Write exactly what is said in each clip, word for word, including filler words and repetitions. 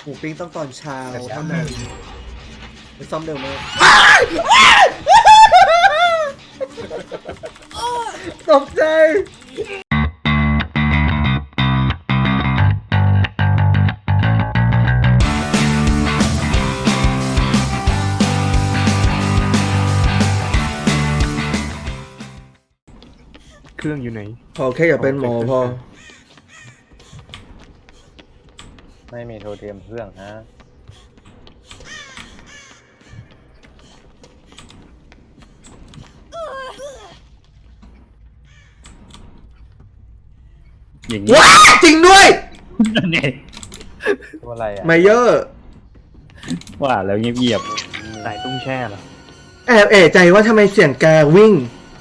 มูปิ้งต้องตอนเช้าเท่านั้นไปซ่อมเร็วมากตกใจเครื่องอยู่ไหนพอแค่อย่าเป็นหมอพอไม่มีโทรเทียมเครื่องฮะอย่างนี้ว้าจริงด้วยนี่ตัวอะไรอ่ะไมเยอร์ว่าแล้วเงียบๆสายตุ้งแช่เหรอแอบเอะใจว่าทำไมเสียงแกวิ่ง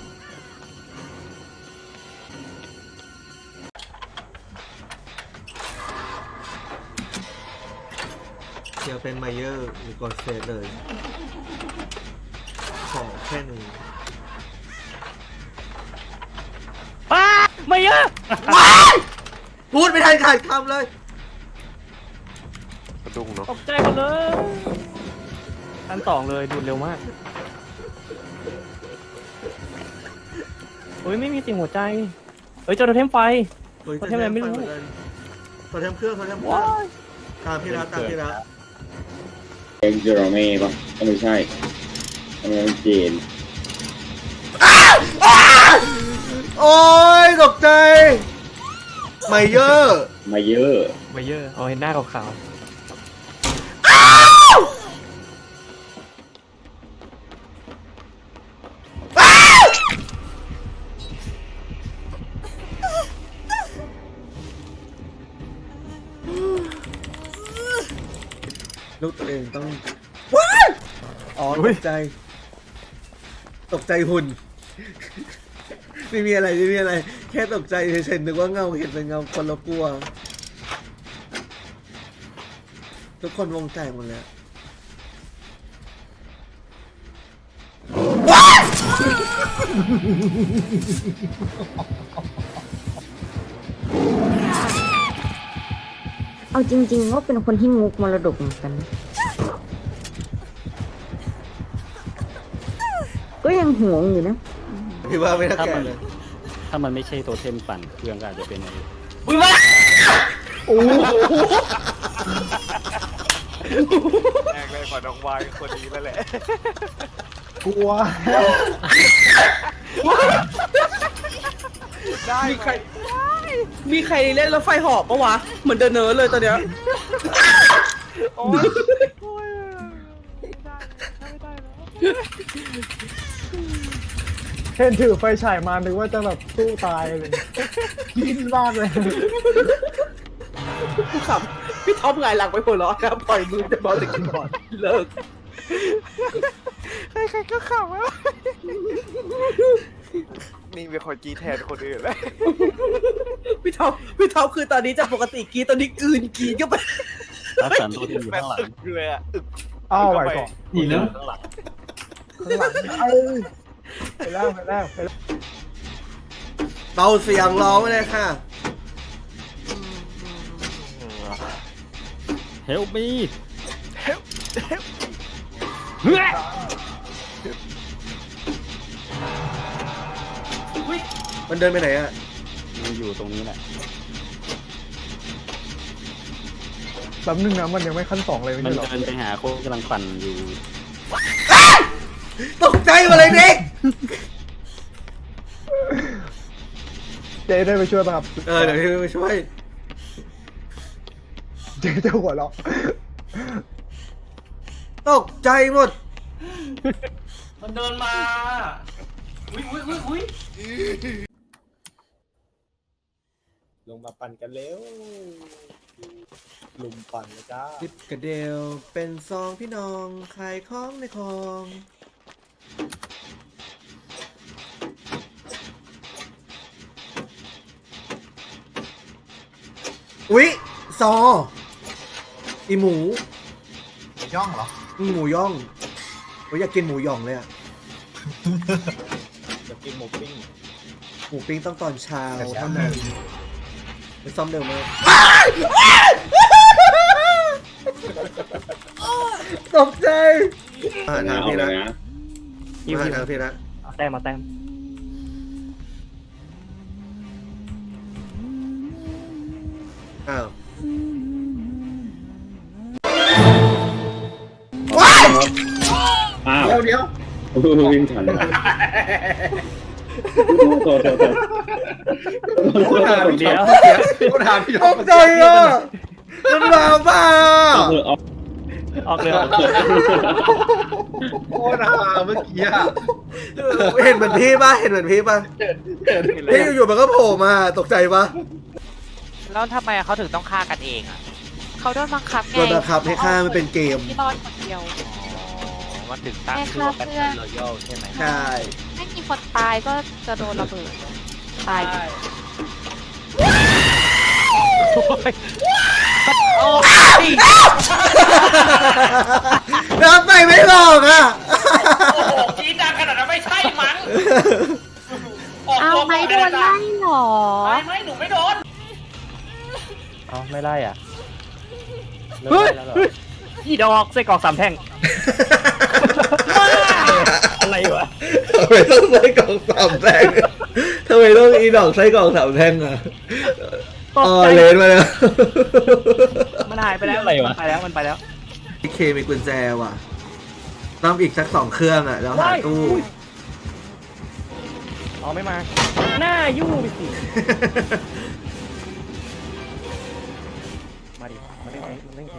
เดี๋ยวเป็นไมเยอร์หรือกดเซตเลยขอแค่นี้อ้าไม่เยอะว้ายพูดไม่ทันขาดคำเลยกระดุงเนาะตกใจหมดเลยอันต่องเลยดูดเร็วมากโอ้ยไม่มีสิ่งหัวใจเฮ้ยเจอโทเทมไฟโทเทมอะไรไม่รู้โทเทมเครื่องโทเทมเครื่องตามพี่ละตามพี่ละเอ็กซ์เจอร์เม่ป่ะก็ไม่ใช่ทำไมมันเจนโอ้ยตกใจไมเยอร์มาเยอะมาเยอะเอาเห็นหน้าขาวลูกตัวเองต้องว้ายอ๋อตกใจตกใจหุ่นไม่มีอะไรไม่มีอะไรแค่ตกใจเฉยๆนึกว่าเงาเห็นเป็นเงาคนละกลัวทุกคนวงแตกหมดแล้วว้ายเอาจริงๆว่าเป็นคนที่งกมรดกเหมือนกันก็ยังห่วงอยู่นะพี่ว่าไม่น่าแก่เลยถ้ามันไม่ใช่โทเทมปั่นเครื่องก็อาจจะเป็นอะไรอุ้ยมาโอ้แรงเลยกว่าน้องวายคนนี้แล้วแหละกลัวได้มีใครมีใครเล่นรถไฟหอบปะวะเหมือนเดินเนอเลยตอนเนี้ยโอ้ยโอ้ยไม่ได้ไม่ได้แล้วเห็นถือไฟฉายมานึกว่าจะแบบสู้ตายเลยดิ้นมากเลยกูขับพี่ท็อปไงหลังไปหัวเราะครับปล่อยมือจะบอลจากคีย์บอร์ดเลิกใครๆก็ขำอ่ะนี่เป็นคนกีแทนคนอื่นเลยพี่ท็อปพี่ท็อปคือตอนนี้จากปกติกีตอนนี้กลืนกีก็ไปรักษาตัวที่อยู่ข้างหลังเลยอ่ะอึกอ้าวไหวก่อนนี่เรื่องข้างหลังข้างหลังเอ้ยไปแล้วไปแล้วไปแล้วเบาเสียงร้องเลยค่ะ Help me Help Help มันเดินไปไหนอ่ะมันอยู่ตรงนี้แหละแป๊บนึงนะมันยังไม่ขั้นสองเลยมันไม่ใช่หรอเดินไปหาโค้กกำลังปั่นอยู่ตกใจมาเลยเด็กเจ๊ได้ไปช่วยป่ะครับเออเดี๋ยวพี่ไปช่วยเจ๊จะหัวเราะตกใจหมดมันเดินมาอุ้ยอุ้ยอุ้ยอุ้ยลงมาปั่นกันเร็วลุมปั่นเลยจ้าดิบกระเดียวเป็นซองพี่น้องขายของในคลองอุ๊ยซออีหมูย่องเหรอหมูย่องโอ้ยอยากกินหมูย่องเลยอะอยากกินหมูปิ้งหมูปิ้งต้องตอนเช้าเท่านั้นไปซ่อมเร็วมากตกใจมาเอาทางเอาพี่เลละยนะยิวมายิวทางพี่ละเอาแต้มมาแต้มอ้าวอ้าวเดี๋ยวเดี๋ยวโอ้โหวิ่งทันโทษโทษโทษพูดถามพี่เดี๋ยวพูดถามพี่ตกใจอ่ะมันมาบ้าเอาเถอะเอาออกเลยโคตรหาเมื่อกี้อ่ะเห็นเหมือนพี่ป่ะเห็นเหมือนพี่ป่ะพี่อยู่ๆมันก็โผล่มาตกใจป่ะแล้วทำไมเขาถึงต้องฆ่ากันเองอ่ะเขาโดนบังคับไงโดนบังคับให้ฆ่ามันเป็นเกมที่รอดคนเดียวมันถึงตั้งชื่อว่าเป็นรอยัลใช่ไหมใช่ถ้ามีคนตายก็จะโดนระเบิด ตายน้ำไปไม่หลอกอ่ะจีดังขนาดนั้นไม่ใช่มั้งเอาไหมโดนไล่เหรอไม่ไม่หนูไม่โดนเอาไม่ไล่อ่ะเลิกเฮ้ยไล่แล้วเหรออีดอกไส้กรอกสามแท่งอะไรวะทำไมต้องใส่กล่องสามแท่งทำไมต้องอีดอกใส่กล่องสามแท่งอ่ะตกอ๋อใจเลนมาแล้วมันหายไปแล้วอะไรวะมันไปแล้วมันไปแล้วพี่เคมีกุญแจว่ะต้องอีกสักสองเครื่องอ่ะแล้วหาตู้เอาไม่มา หน้ายู่ไปสิ มาดิ มาเล่นมาเล่น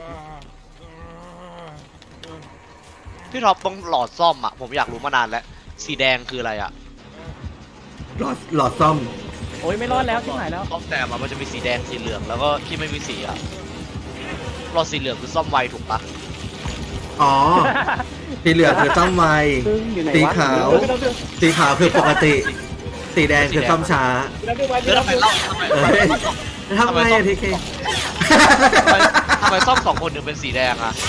พี่ท็อปต้องหลอดซ่อมอ่ะ ผมอยากรู้มานานแล้ว สีแดงคืออะไรอ่ะหลอดหลอดซ่อมโอ้ยไม่รอดแล้วที่หายแล้วซ่อมแต่อะมันจะมีสีแดงสีเหลืองแล้วก็ที่ไม่มีสีอ่ะหลอดสีเหลืองคือซ่อมไวถูกปะอ๋อ สีเหลืองคือซ่อมไวซึ่งอยู่ไหนวะสีขาว สีขาวคือปกติ สีแดงคือซ่อมช้าแล้วทำไมเล่าทำไมเอ้ยทำไมอะทีเคทำไมทำไมซ่อมสองคนถึงเป็นสีแดงอ่ะ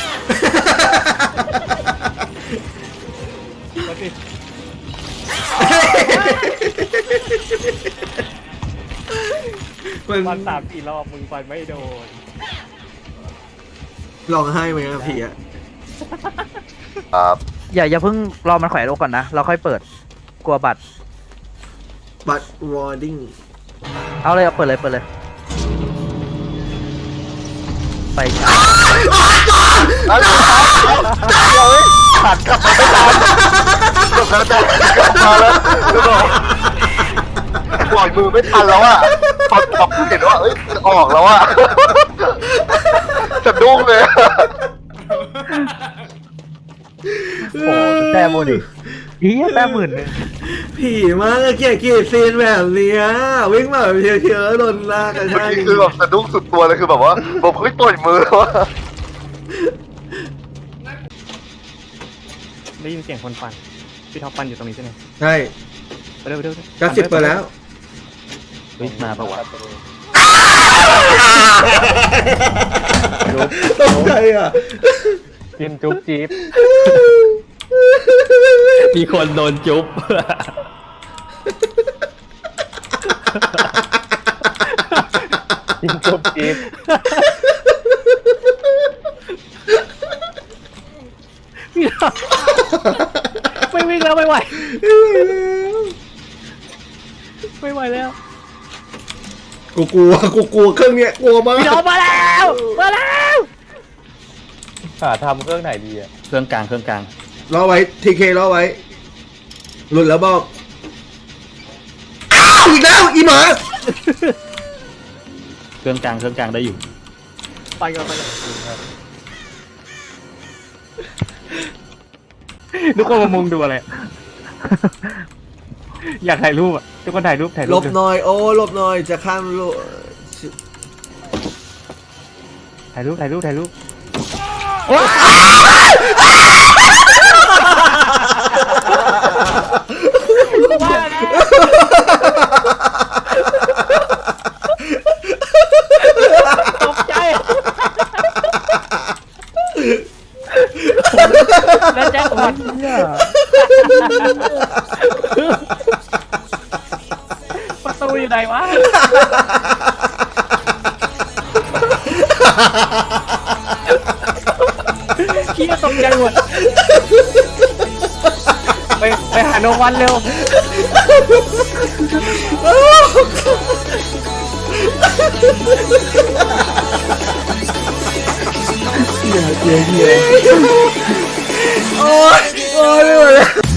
มันฟันสามสี่รอบมึงฟันไม่โดนร้องไห้ไหมอะพี่อะอย่าอย่าเพิ่งรอมันแขวนโลก่อนนะ เราค่อยเปิด กลัวบัตรบัตรวอร์ดิ้งเอาเลยเอาเปิดเลยเปิดเลย ไปช้าขัดกลับมาไม่ทันกลับมาแล้วกลับมาแล้วคือบอกปล่อยมือไม่ทันแล้วอ่ะพอพอเห็นว่าเอ้ยออกแล้วอ่ะสะดุ้งเลยโอ้โหแต้มโมดิอีแต้มหมื่นหนึ่งผีมากอะเกลียดเกลียดซีนแบบเนี้ยวิ่งมาแบบเทียวๆแล้วโดนลากกันเมื่อใช่กี้คือแบบสะดุ้งสุดตัวเลยคือแบบว่าผมเฮ้ยต่อยมือแล้วอะได้ยินเสียงคนฟัน พี่ท็อปฟันอยู่ตรงนี้ใช่ไหมใช่ไปเร็วไปเร็วเก้าสิบเปอร์แล้วเฮ้ยมาปะวะตกใจอ่ะกินจุ๊บจี๊บมีคนโดนจุ๊บกินจุ๊บจี๊บไม่วิ่งแล้วไม่ไหว ไม่ไหวแล้วกูกลัวกูกลัวเครื่องเนี้ยกลัวมากพี่ท็อปมาแล้ว มาแล้วหาทำเครื่องไหนดีอ่ะเครื่องกลางเครื่องกลางรอไว้ทีเครอไว้หลุดแล้วบอกอ้าวอีกแล้วอีหมาเครื่องกลางเครื่องกลางได้อยู่ไปก่อนไปก่อนทุกคนมามุงดูอะไร อยากถ่ายรูปอ่ะ ทุกคนถ่ายรูปถ่ายหรูลปบหน่อยโอ้หลบหน่อยจะข้ามโลถ่ายรูปถ่ายรูปถ่ายรูปว่าแล้วตกใจ แล้วแจ็คพอตประตูอยู่ไหนวะขี้ตกใจหมดไปไปหาโนวันเร็วโอ้ยโอ้ยไม่ไหวแล้ว